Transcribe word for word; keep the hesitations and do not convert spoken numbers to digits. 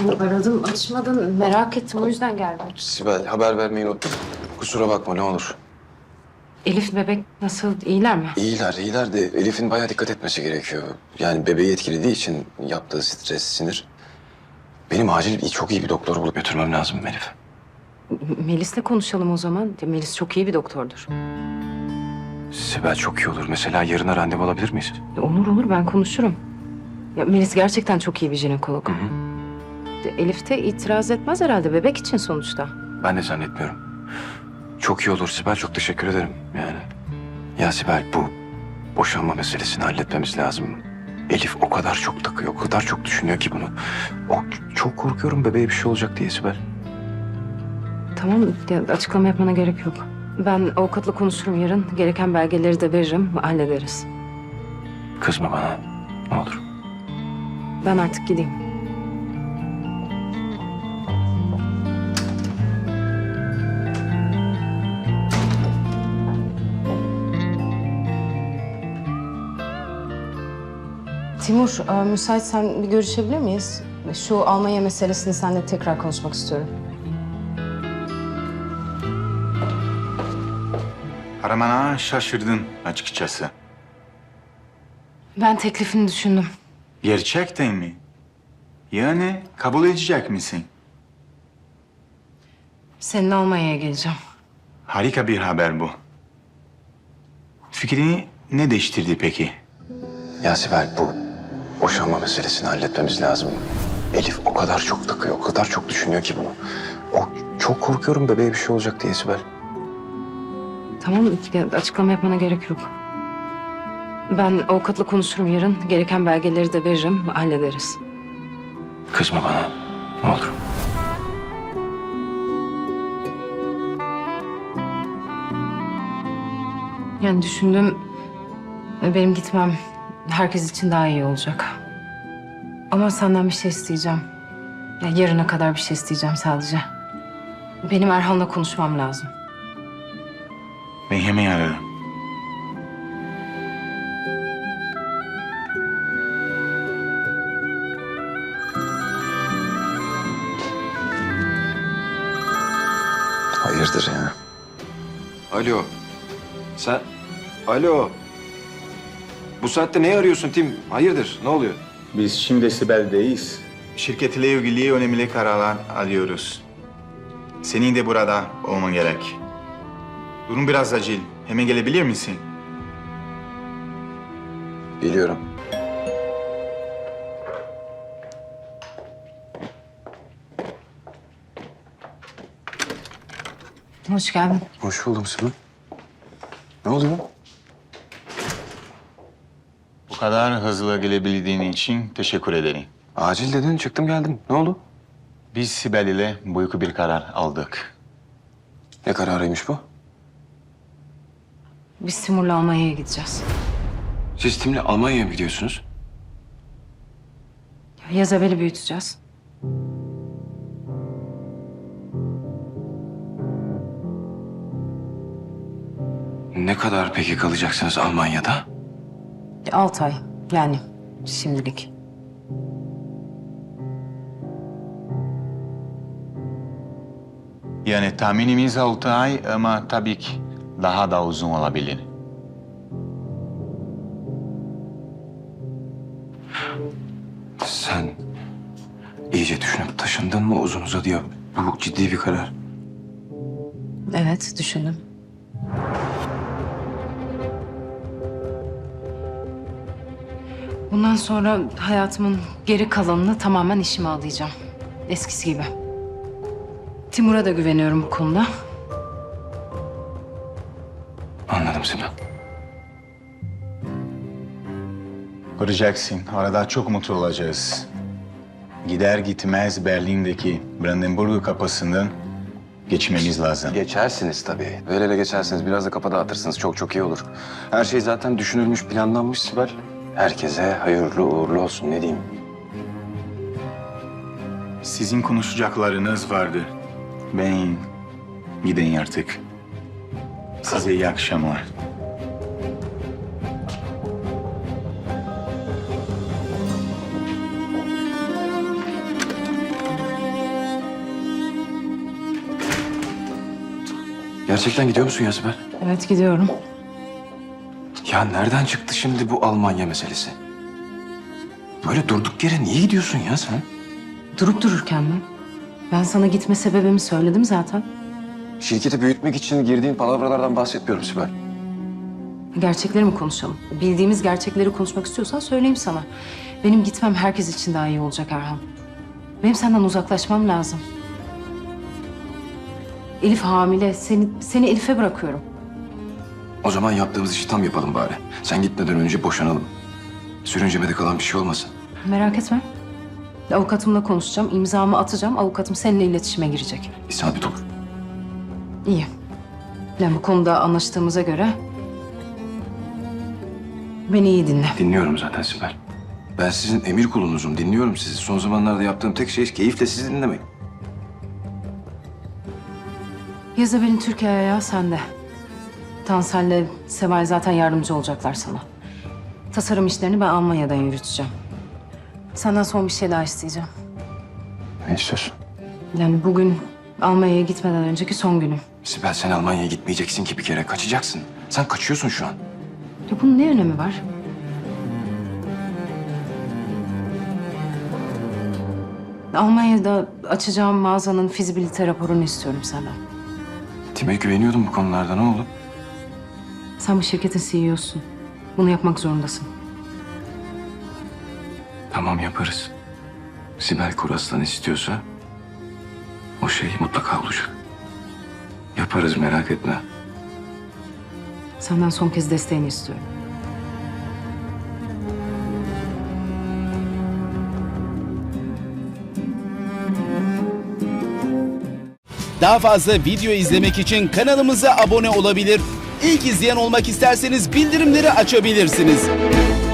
Aradım, açmadın. Merak ettim, o yüzden geldim. Sibel, haber vermeyi unuttum. Kusura bakma, ne olur. Elif, bebek nasıl, iyiler mi? İyiler, iyiler de Elif'in bayağı dikkat etmesi gerekiyor. Yani bebeği etkilediği için yaptığı stres, sinir. Benim acil çok iyi bir doktor bulup götürmem lazım Elif. Melis'le konuşalım o zaman. Melis çok iyi bir doktordur. Sibel, çok iyi olur. Mesela yarına randevu alabilir miyiz? Olur olur, ben konuşurum. Ya Melis gerçekten çok iyi bir jinekolog. Hı hı. Elif de itiraz etmez herhalde, bebek için sonuçta. Ben de zannetmiyorum. Çok iyi olur Sibel, çok teşekkür ederim yani. Ya Sibel, bu boşanma meselesini halletmemiz lazım. Elif o kadar çok takıyor, o kadar çok düşünüyor ki bunu. O, çok korkuyorum bebeğe bir şey olacak diye Sibel. Tamam, ya açıklama yapmana gerek yok. Ben avukatla konuşurum yarın. Gereken belgeleri de veririm, hallederiz. Kızma bana, ne olur. Ben artık gideyim. Timur, e, müsaitsen bir görüşebilir miyiz? Şu Almanya meselesini seninle tekrar konuşmak istiyorum. Aramana şaşırdın açıkçası. Ben teklifini düşündüm. Gerçekten mi? Yani kabul edecek misin? Seninle Almanya'ya geleceğim. Harika bir haber bu. Fikrini ne değiştirdi peki? Ya Sibel, bu boşanma meselesini halletmemiz lazım. Elif o kadar çok takıyor, o kadar çok düşünüyor ki bunu. O, çok korkuyorum bebeğe bir şey olacak diye Sibel. Tamam, ya açıklama yapmana gerek yok. Ben avukatla konuşurum yarın. Gereken belgeleri de veririm, hallederiz. Kızma bana, ne olur. Yani düşündüm, benim gitmem herkes için daha iyi olacak. Ama senden bir şey isteyeceğim. Ya yarına kadar bir şey isteyeceğim sadece. Benim Erhan'la konuşmam lazım. Ben hemen ararım. Hayırdır ya? Alo. Sen... Alo. Bu saatte ne arıyorsun Tim? Hayırdır? Ne oluyor? Biz şimdi Sibel'deyiz. Şirketle ilgili önemli kararlar alıyoruz. Senin de burada olman gerek. Durum biraz acil. Hemen gelebilir misin? Biliyorum. Hoş geldin. Hoş buldum Sibel. Ne oluyor? Bu kadar hızlı gelebildiğin için teşekkür ederim. Acil dedin, çıktım geldim. Ne oldu? Biz Sibel ile büyük bir karar aldık. Ne kararıymış bu? Biz Timur'la Almanya'ya gideceğiz. Siz Tim'le Almanya'ya mı gidiyorsunuz? Yaz evveli büyüteceğiz. Ne kadar peki kalacaksınız Almanya'da? Altı ay yani şimdilik. Yani tahminimiz altı ay ama tabii ki daha da uzun olabilir. Sen iyice düşünüp taşındın mı, uzun uzadıya? Bu ciddi bir karar. Evet, düşündüm. Bundan sonra hayatımın geri kalanını tamamen işime adayacağım. Eskisi gibi. Timur'a da güveniyorum bu konuda. Anladım Sibel. Göreceksin, arada çok mutlu olacağız. Gider gitmez Berlin'deki Brandenburg kapısından geçmemiz lazım. Geçersiniz tabii. Böyle öyle geçersiniz. Biraz da kafa dağıtırsınız. Çok çok iyi olur. Her şey zaten düşünülmüş, planlanmış Sibel. Herkese hayırlı uğurlu olsun, ne diyeyim. Sizin konuşacaklarınız vardı. Ben gideyim artık. Size iyi akşamlar. Gerçekten gidiyor musun ya Sibel? Evet gidiyorum. Ya nereden çıktı şimdi bu Almanya meselesi? Böyle durduk yere niye gidiyorsun ya sen? Durup dururken mi? Ben sana gitme sebebimi söyledim zaten. Şirketi büyütmek için girdiğin palavralardan bahsetmiyorum Sibel. Gerçekleri mi konuşalım? Bildiğimiz gerçekleri konuşmak istiyorsan söyleyeyim sana. Benim gitmem herkes için daha iyi olacak Erhan. Benim senden uzaklaşmam lazım. Elif hamile. Seni, seni Elif'e bırakıyorum. O zaman yaptığımız işi tam yapalım bari. Sen gitmeden önce boşanalım. Sürüncemede kalan bir şey olmasın. Merak etme. Avukatımla konuşacağım, imzamı atacağım. Avukatım seninle iletişime girecek. İsabet olur. İyi. Yani bu konuda anlaştığımıza göre beni iyi dinle. Dinliyorum zaten Sibel. Ben sizin emir kulunuzum. Dinliyorum sizi. Son zamanlarda yaptığım tek şey keyifle sizi dinlemek. Yazabel'in Türkiye ayağı sende. Tansel'le Seval zaten yardımcı olacaklar sana. Tasarım işlerini ben Almanya'dan yürüteceğim. Senden son bir şey daha isteyeceğim. Ne istiyorsun? Yani bugün Almanya'ya gitmeden önceki son günüm. Sibel sen Almanya'ya gitmeyeceksin ki bir kere. Kaçacaksın. Sen kaçıyorsun şu an. Ya bunun ne önemi var? Almanya'da açacağım mağazanın fizibilite raporunu istiyorum senden. Tim'e güveniyordum bu konularda. Ne oldu? Sen bu şirketin C E O'sun. Bunu yapmak zorundasın. Tamam yaparız. Sibel Kuraslan istiyorsa o şey mutlaka olacak. Yaparız merak etme. Senden son kez desteğini istiyorum. Daha fazla video izlemek için kanalımıza abone olabilir. İlk izleyen olmak isterseniz bildirimleri açabilirsiniz.